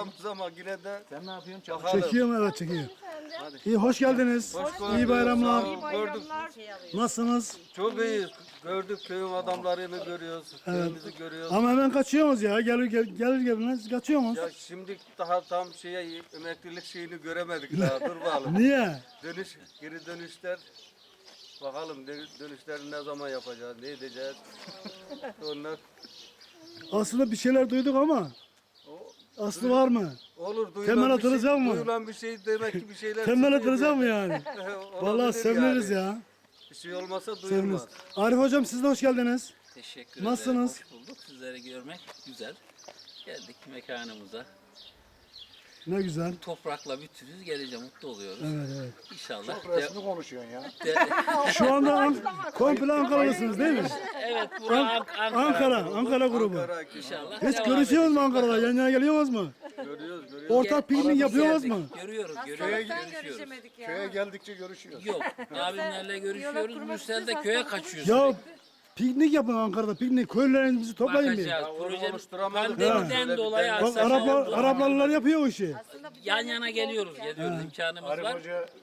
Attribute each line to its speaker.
Speaker 1: çıkamayız ama yine de
Speaker 2: Sen ne yapıyorsun?
Speaker 1: bakalım.
Speaker 3: Çekiyorum, evet çekiyor. İyi, hoş geldiniz.
Speaker 1: Hoş bulduk.
Speaker 3: İyi bayramlar.
Speaker 1: Sağ olun, gördük.
Speaker 3: Nasılsınız?
Speaker 1: Çok iyiyiz. Gördük köyün adamlarını görüyoruz. Köyümüzü görüyoruz.
Speaker 3: Ama hemen kaçıyorsunuz ya. Gelir gelmez kaçıyorsunuz.
Speaker 1: Ya şimdi daha tam emeklilik şeyini göremedik daha. Dur bakalım.
Speaker 3: Niye?
Speaker 1: Geri dönüşler. Bakalım dönüşleri ne zaman yapacağız, ne edeceğiz. Onlar
Speaker 3: Aslında bir şeyler duyduk ama aslı var mı?
Speaker 1: olur
Speaker 3: Temel
Speaker 1: duyulan bir
Speaker 3: atılacak mı?
Speaker 1: Duyulan bir şey demek ki bir şeyler.
Speaker 3: Temel
Speaker 1: çıkıyor
Speaker 3: atılacak mı
Speaker 1: yani.
Speaker 3: yani?
Speaker 1: Olabilir
Speaker 3: Vallahi seviniriz
Speaker 1: yani.
Speaker 3: ya.
Speaker 1: Bir şey olmasa
Speaker 3: Seviniriz.
Speaker 1: duyulmaz.
Speaker 3: Arif hocam siz de hoş geldiniz.
Speaker 4: Teşekkür
Speaker 3: Nasılsınız?
Speaker 4: ederim. Hoş bulduk. Sizleri görmek güzel. Geldik mekanımıza.
Speaker 3: Ne güzel.
Speaker 4: Toprakla bütünüz. Gelince mutlu oluyoruz.
Speaker 3: Evet evet.
Speaker 4: İnşallah.
Speaker 2: Çok resmi konuşuyorsun ya.
Speaker 3: Şu anda komple Ankaralısınız değil mi?
Speaker 4: Evet, bura
Speaker 3: Ankara grubu.
Speaker 1: Ankara,
Speaker 4: İnşallah.
Speaker 3: Hiç
Speaker 4: devam
Speaker 3: görüşüyorsunuz mu
Speaker 4: edecek.
Speaker 3: Ankara'da? Yan yana geliyorsunuz mu?
Speaker 1: görüyoruz.
Speaker 3: Ortak piknik yapıyorsunuz mu?
Speaker 4: Görüyoruz. Görüşüyoruz.
Speaker 2: Köye geldikçe görüşüyoruz.
Speaker 4: Yok. Abimlerle görüşüyoruz. Mürsel'de köye kaçıyoruz.
Speaker 3: Ya piknik yapın Ankara'da, piknik. Köylülerinizi toplayın bir.
Speaker 4: Bakacağız. Proje
Speaker 1: oluşturamadık.
Speaker 4: pandemiden
Speaker 1: Ha.
Speaker 4: dolayı
Speaker 3: Bak
Speaker 4: aksamalar oldu.
Speaker 3: Araplarlar yapıyor o işi.
Speaker 4: Yan yana geliyoruz. Geliyoruz. İmkanımız
Speaker 2: Arif
Speaker 4: var.
Speaker 2: Hoca